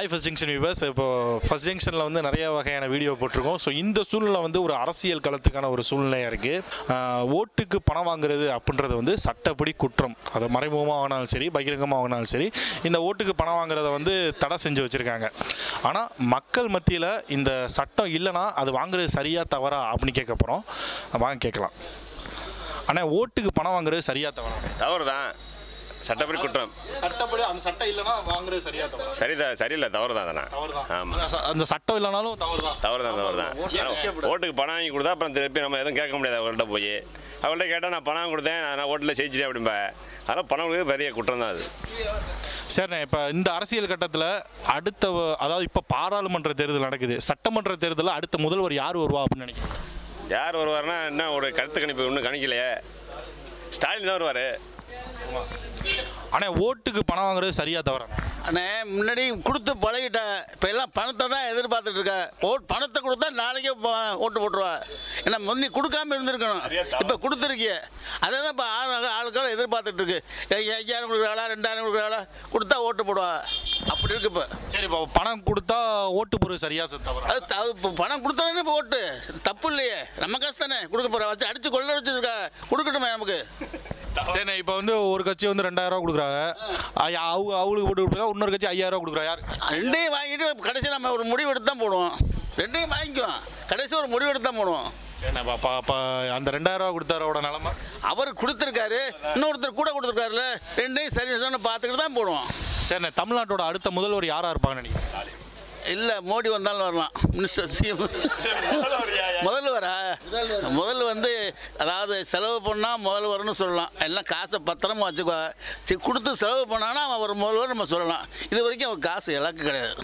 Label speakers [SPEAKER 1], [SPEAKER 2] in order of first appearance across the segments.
[SPEAKER 1] Hi first junction viewers. இப்போ first ஜங்ஷனில் வந்து நிறைய வகையான வீடியோ போட்டிருக்கோம். ஸோ இந்த சூழ்நிலை வந்து ஒரு அரசியல் களத்துக்கான ஒரு சூழ்நிலையாக இருக்குது. ஓட்டுக்கு பணம் வாங்குறது அப்படின்றது வந்து சட்டப்படி குற்றம். அதை மறைமுகமாக வாங்கினாலும் சரி, பகிரங்கமாக வாங்கினாலும் சரி, இந்த ஓட்டுக்கு பணம் வாங்குறத வந்து தடை செஞ்சு வச்சுருக்காங்க. ஆனால் மக்கள் மத்தியில் இந்த சட்டம் இல்லைன்னா அது வாங்குறது சரியா தவறா அப்படின்னு கேட்க போகிறோம். வாங்க கேட்கலாம். ஆனால் ஓட்டுக்கு பணம் வாங்குறது சரியா தவறா?
[SPEAKER 2] தவறு தான், சட்டப்படி குற்றம்.
[SPEAKER 1] சட்டப்படி அந்த சட்டம் இல்லைன்னா வாங்குறது சரியா தவறா?
[SPEAKER 2] சரியில்லை, தவறு தான். அதெல்லாம் ஆமாம்,
[SPEAKER 1] அந்த சட்டம் இல்லைனாலும் தவறு தான்.
[SPEAKER 2] ஓட்டுக்கு பணம் வாங்கி கொடுத்தா அப்புறம் திருப்பி நம்ம எதுவும் கேட்க முடியாது. அவங்கள்ட்ட போய் அவங்கள்ட்ட கேட்டால் நான் பணம் கொடுத்தேன், நான் ஓட்டில் ஜெயிச்சிட்டேன் அப்படின்பா. அதனால் பணம் கொடுக்க பெரிய குற்றம் தான் அது.
[SPEAKER 1] சரிண்ணே, இப்போ இந்த அரசியல் கட்டத்தில் அடுத்த அதாவது இப்போ பாராளுமன்ற தேர்தல் நடக்குது. சட்டமன்ற தேர்தலில் அடுத்த முதல்வர் யார் வருவா அப்படின்னு நினைக்கிறேன்?
[SPEAKER 2] யார் வருவார்னா என்ன ஒரு கருத்து கணிப்பு இன்னும் கணிக்கலையே. ஸ்டாலின் தான் வருவார்.
[SPEAKER 1] ஆனால் ஓட்டுக்கு பணம் வாங்குறது சரியா தவறா?
[SPEAKER 3] அண்ணே, முன்னாடி கொடுத்து பழகிட்ட. இப்போ எல்லாம் பணத்தை தான் எதிர்பார்த்துட்டு இருக்க. பணத்தை கொடுத்தா நாளைக்கே ஓட்டு போட்டுருவா. ஏன்னா முன்னி கொடுக்காம இருந்திருக்கணும், இப்போ கொடுத்துருக்கிய. அதை தான் இப்போ ஆளுக்கள் எதிர்பார்த்துட்டு இருக்கு. 5000 கொடுக்குறாளா, 2000 கொடுக்குறாளா, கொடுத்தா ஓட்டு போடுவா. அப்படி இருக்கு இப்போ.
[SPEAKER 1] சரி, இப்போ பணம் கொடுத்தா ஓட்டு போடுறது சரியா தவறா?
[SPEAKER 3] அது இப்போ பணம் கொடுத்தா தானே இப்போ ஓட்டு. தப்பு இல்லையே, நம்ம காசு தானே கொடுக்க போகிறோம். வச்சு அடித்து கொள்ள வச்சுருக்கா, கொடுக்கட்டுமே நமக்கு.
[SPEAKER 1] சரிண்ணே, இப்போ வந்து ஒரு கட்சி வந்து 2000 கொடுக்குறாங்க, அவங்களுக்கு போட்டு கொடுக்குறா. இன்னொரு கட்சி 5000 கொடுக்குறா. யார்?
[SPEAKER 3] ரெண்டையும் வாங்கிட்டு கடைசி நம்ம ஒரு முடிவு எடுத்து தான் போடுவோம். ரெண்டையும் வாங்கிக்குவோம், கடைசி ஒரு முடிவு எடுத்து தான் போடுவோம்.
[SPEAKER 1] சரிண்ணா, அப்போ அந்த 2000 கொடுத்தாரோட நிலமை
[SPEAKER 3] அவர் கொடுத்துருக்காரு, இன்னொருத்தர் கூட கொடுத்துருக்காருல்ல. ரெண்டையும் சரி பார்த்துக்கிட்டு தான் போடுவோம்.
[SPEAKER 1] சரிண்ணே, தமிழ்நாட்டோட அடுத்த முதல்வர் யாராக இருப்பாங்கன்னு நினைக்கிறேன்?
[SPEAKER 3] இல்லை, மோடி வந்தாலும் வரலாம். மினிஸ்டர் சிஎம் முதல்வர் வந்து அதாவது செலவு பண்ணால் முதல்வர்னு சொல்லலாம். எல்லாம் காசை பத்திரமா வச்சுக்கோ. கொடுத்து செலவு பண்ணான்னா அவன் ஒரு முதல்வர் நம்ம சொல்லலாம். இது வரைக்கும் அவன் காசு இலக்கு கிடையாது.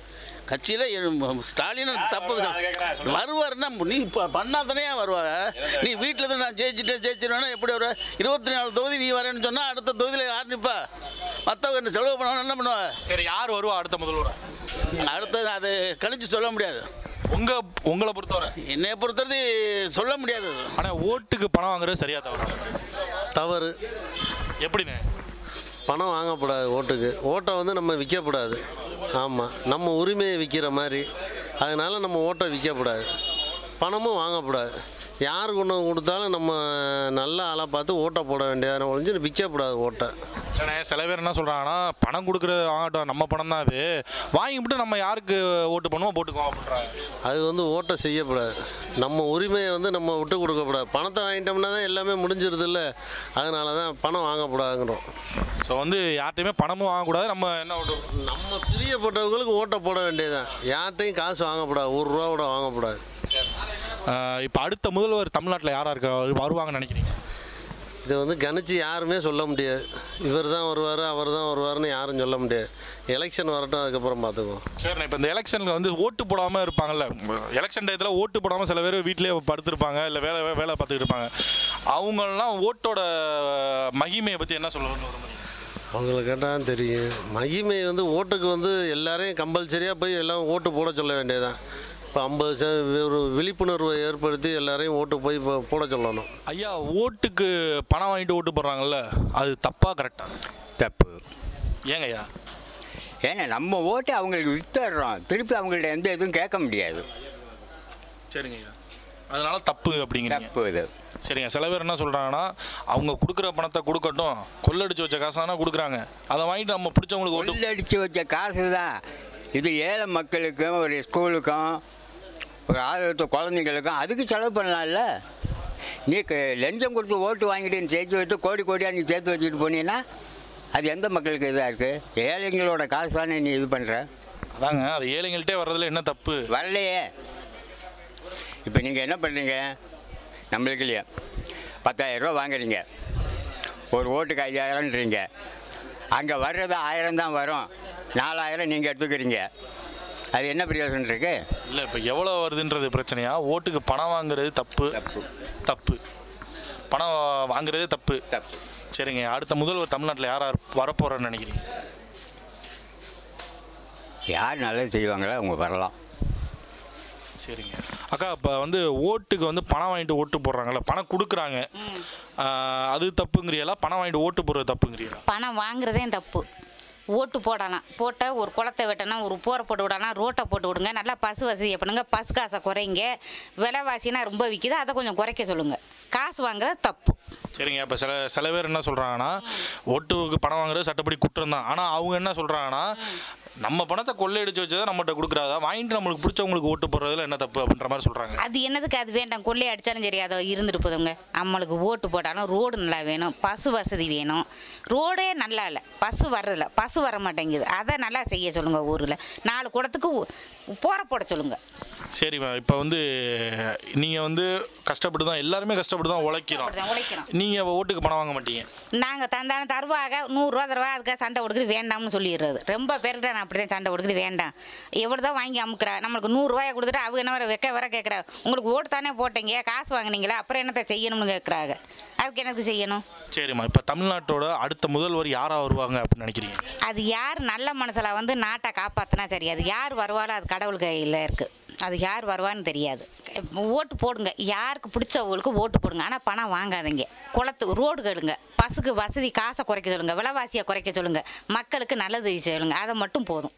[SPEAKER 3] கட்சியில் ஸ்டாலின் தப்பு வருவார்னா நீ பண்ணாதானே வருவாங்க. நீ வீட்டில் இருந்து நான் ஜெயிச்சிருவேன்னா எப்படி வர? 24 தொகுதி நீ வரேன்னு சொன்னால் அடுத்த தொகுதியில் யார் நிற்பா? மற்றவங்க என்ன செலவு பண்ணணும், என்ன பண்ணுவா?
[SPEAKER 1] சரி, யார் வருவா அடுத்த முதல்வர்?
[SPEAKER 3] அடுத்தது அது கணிச்சு சொல்ல முடியாது.
[SPEAKER 1] உங்களை பொறுத்தவரை?
[SPEAKER 3] என்னை பொறுத்தவரை சொல்ல முடியாது.
[SPEAKER 1] ஆனால் ஓட்டுக்கு பணம் வாங்குறது சரியா தவறா?
[SPEAKER 4] தவறு.
[SPEAKER 1] எப்படிண்ணே?
[SPEAKER 4] பணம் வாங்கக்கூடாது. ஓட்டை வந்து நம்ம விற்கக்கூடாது. ஆமாம், நம்ம உரிமையை விற்கிற மாதிரி. அதனால் நம்ம ஓட்டை விற்கக்கூடாது, பணமும் வாங்கக்கூடாது. யாருக்கு ஒன்று கொடுத்தாலும் நம்ம நல்ல ஆளாக பார்த்து ஓட்டை போட வேண்டியதான ஒழிஞ்சு விற்கக்கூடாது ஓட்டை.
[SPEAKER 1] இல்லைண்ணே, சில பேர் என்ன சொல்கிறாங்கன்னா, பணம் கொடுக்குறது வாங்கட்டும், நம்ம பணம் தான் அது, வாங்கிவிட்டு நம்ம யாருக்கு ஓட்டு பண்ணுவோம் போட்டுக்குவோம் அப்படின்றாங்க.
[SPEAKER 4] அது வந்து ஓட்டை செய்யக்கூடாது. நம்ம உரிமையை வந்து நம்ம விட்டு கொடுக்கக்கூடாது. பணத்தை வாங்கிட்டோம்னா தான் எல்லாமே முடிஞ்சிருது இல்லை. அதனால தான் பணம் வாங்கக்கூடாதுங்கிறோம்.
[SPEAKER 1] ஸோ வந்து யார்கிட்டையுமே பணமும் வாங்கக்கூடாது. நம்ம
[SPEAKER 4] நம்ம பிரியப்பட்டவங்களுக்கு ஓட்டை போட வேண்டியதுதான். யார்கிட்டையும் காசு வாங்கக்கூடாது, ₹1 கூட வாங்கக்கூடாது.
[SPEAKER 1] இப்போ அடுத்த முதல்வர் தமிழ்நாட்டில் யாராக இருக்க வருவாங்கன்னு நினைக்கிறீங்க?
[SPEAKER 4] இதை வந்து கணிச்சு யாருமே சொல்ல முடியாது. இவர் தான் வருவார், அவர் தான் வருவார்னு யாரும் சொல்ல முடியாது. எலெக்ஷன் வரட்டும், அதுக்கப்புறம் பார்த்துக்குவோம்.
[SPEAKER 1] சரிண்ணா, இப்போ இந்த எலெக்ஷனில் வந்து ஓட்டு போடாமல் இருப்பாங்கல்ல, எலெக்ஷன் டயத்தில் ஓட்டு போடாமல் சில பேர் வீட்டிலே படுத்துருப்பாங்க, இல்லை வேலை பார்த்துக்கிட்டு இருப்பாங்க. அவங்களெலாம் ஓட்டோட மகிமையை பற்றி என்ன சொல்ல விரும்புறீங்க?
[SPEAKER 4] அவங்கள கேட்டால் தெரியும். மகிமை வந்து ஓட்டுக்கு வந்து எல்லாரையும் கம்பல்சரியாக போய் எல்லாம் ஓட்டு போட சொல்ல வேண்டியதுதான். இப்போ 50 ஒரு விழிப்புணர்வை ஏற்படுத்தி எல்லாரையும் ஓட்டு போய் போட சொல்லணும்.
[SPEAKER 1] ஐயா, ஓட்டுக்கு பணம் வாங்கிட்டு ஓட்டு போடுறாங்கல்ல, அது தப்பா கரெக்டா?
[SPEAKER 5] தப்பு.
[SPEAKER 1] ஏங்க ஐயா?
[SPEAKER 5] ஏன்னா நம்ம ஓட்டு அவங்களுக்கு வித்துடுறோம், திருப்பி அவங்கள்ட்ட எந்த எதுவும் கேட்க முடியாது.
[SPEAKER 1] சரிங்க ஐயா, அதனால தப்பு அப்படிங்கிறீங்க?
[SPEAKER 5] தப்பு இது.
[SPEAKER 1] சரிங்க, சில பேர் என்ன சொல்கிறாங்கன்னா, அவங்க கொடுக்குற பணத்தை கொடுக்கட்டும், கொள்ளடிச்சு வச்ச காசானா கொடுக்குறாங்க, அதை வாங்கிட்டு நம்ம பிடிச்சவங்களுக்கு ஓட்டு.
[SPEAKER 5] கொள்ளடிச்சு வச்ச காசு தான் இது. ஏழை மக்களுக்கும் ஒரு ஸ்கூலுக்கும் ஒரு ஆரோக்கிய குழந்தைங்களுக்கும் அதுக்கு செலவு பண்ணலாம்ல. நீ லஞ்சம் கொடுத்து ஓட்டு வாங்கிட்டு நீ சேர்த்து வச்சு கோடியாக நீ சேர்த்து வச்சுட்டு போனீங்கன்னா அது எந்த மக்களுக்கு இதாக இருக்குது? ஏழைங்களோட காசு தானே நீ இது பண்ணுற.
[SPEAKER 1] அதாங்க, அது ஏழைங்கள்ட்டே வர்றதுல என்ன தப்பு?
[SPEAKER 5] வரலையே. இப்போ நீங்கள் என்ன பண்ணுறீங்க, நம்மளுக்கு இல்லையா 10,000 ரூபா வாங்குறீங்க, ஒரு ஓட்டுக்கு 5000ன்றீங்க. அங்கே வர்றது 1000 தான் வரும், 4000 நீங்கள் எடுத்துக்கிறீங்க. அது என்ன பிரயோஜனம் இருக்கு?
[SPEAKER 1] இல்லை, இப்போ எவ்வளோ வருதுன்றது பிரச்சனையா? ஓட்டுக்கு பணம் வாங்குறது தப்பு. தப்பு. பணம் வாங்குறதே தப்பு. சரிங்க, அடுத்த முதல்வர் தமிழ்நாட்டில் யார் வரப்போகிறேன்னு நினைக்கிறீங்க?
[SPEAKER 5] யார் நல்லது செய்வாங்களோ அவங்க வரலாம்.
[SPEAKER 1] சரிங்க அக்கா, இப்போ வந்து ஓட்டுக்கு வந்து பணம் வாங்கிட்டு ஓட்டு போடுறாங்கல்ல, பணம் கொடுக்குறாங்க, அது தப்புங்கிறீங்களா? பணம் வாங்கிட்டு ஓட்டு போடுறது தப்புங்கிறீங்களா?
[SPEAKER 6] பணம் வாங்குறதே தப்பு. ஓட்டு போடலாம், போட்டால் ஒரு குளத்தை வெட்டணும், ஒரு போரை போட்டு விடலாம், ரோட்டை போட்டு விடுங்க, நல்லா பஸ் வசதியை பண்ணுங்க, பஸ் காசை குறைங்க, விலைவாசினா ரொம்ப விற்கிது, அதை கொஞ்சம் குறைக்க சொல்லுங்கள். காசு வாங்குறது தப்பு.
[SPEAKER 1] சரிங்க. இப்போ சில பேர் என்ன சொல்கிறாங்கன்னா, ஓட்டுக்கு பணம் வாங்குறது சட்டப்படி குற்றம் தான். ஆனால் அவங்க என்ன சொல்கிறாங்கன்னா, நம்ம பணத்தை கொள்ளையடிச்சு வச்சதை நம்மகிட்ட கொடுக்குறாதா, வாங்கிட்டு நம்மளுக்கு பிடிச்சவங்களுக்கு ஓட்டு போடுறதுல என்ன தப்பு அப்படின்ற மாதிரி சொல்கிறாங்க.
[SPEAKER 6] அது என்னதுக்கு அது வேண்டாம், கொள்ளையை அடித்தாலும் சரி அதை இருந்துட்டு போதுங்க. நம்மளுக்கு ஓட்டு போட்டாலும் ரோடு நல்லா வேணும், பஸ் வசதி வேணும். ரோடே நல்லா இல்லை, பஸ்ஸு வர்றதில்ல, பஸ்ஸு வர மாட்டேங்குது, அதை நல்லா செய்ய சொல்லுங்கள். ஊரில் 4 குடத்துக்கு போரை போட சொல்லுங்கள்.
[SPEAKER 1] சரிம்மா. இப்போ வந்து நீங்கள் வந்து கஷ்டப்பட்டு தான், எல்லாருமே கஷ்டப்பட்டு தான் உழைக்கிறோம். நீங்கள் ஓட்டுக்கு பணம் வாங்க மாட்டீங்க.
[SPEAKER 6] நாங்கள் தந்தாலும் தருவாங்க, 100 ரூபா தருவா, அதுக்காக சண்டை கொடுக்குறது வேண்டாம்னு சொல்லிடுறது. ரொம்ப பேர்கிட்ட நான் அப்படி தான் சண்டை கொடுக்குறது வேண்டாம், எவ்வளோ தான் வாங்கி அமுக்குறா, நம்மளுக்கு 100 ரூபாயை கொடுத்துட்டு அவங்க என்ன வர கேட்குறா, உங்களுக்கு ஓட்டு தானே போட்டீங்க, காசு வாங்கினீங்களா, அப்புறம் என்னத்தை செய்யணும்னு கேட்குறாங்க. அதுக்கு எனக்கு செய்யணும்.
[SPEAKER 1] சரிம்மா. இப்போ தமிழ்நாட்டோட அடுத்த முதல்வர் யாராக வருவாங்க அப்படின்னு நினைக்கிறீங்க?
[SPEAKER 6] அது யார் நல்ல மனசில் வந்து நாட்டை காப்பாற்றினா சரி, அது யார் வருவாலும் அது கடவுள் கையில் இருக்குது. அது யார் வருவான்னு தெரியாது. ஓட்டு போடுங்க, யாருக்கு பிடிச்சவங்களுக்கு ஓட்டு போடுங்க, ஆனால் பணம் வாங்காதீங்க. ரோடு கேளுங்க, பஸ்ஸுக்கு வசதி காசை குறைக்க சொல்லுங்கள், விலைவாசியை குறைக்க சொல்லுங்கள், மக்களுக்கு நல்லது சொல்லுங்கள், அதை மட்டும் போதும்.